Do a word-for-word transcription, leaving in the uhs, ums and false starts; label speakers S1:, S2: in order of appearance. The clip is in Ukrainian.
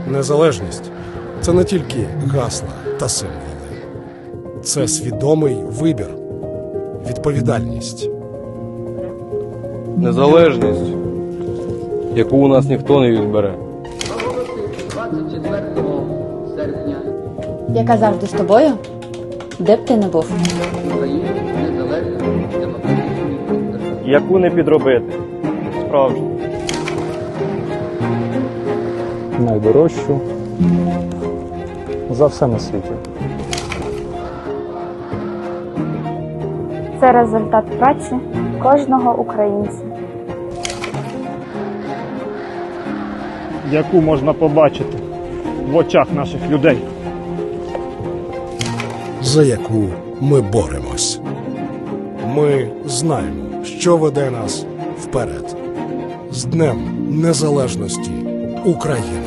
S1: Незалежність – це не тільки гасла та символи. Це свідомий вибір, відповідальність.
S2: Незалежність, яку у нас ніхто не відбере.
S3: двадцять четвертого серпня
S4: Яка завжди з тобою, де б ти не був.
S3: Україна незалежна демократична держава.
S5: Яку не підробити. Справжню.
S6: Найдорожчу за все на світі.
S7: Це результат праці кожного українця.
S5: Яку можна побачити в очах наших людей.
S1: За яку ми боремось. Ми знаємо, що веде нас вперед. З Днем Незалежності України!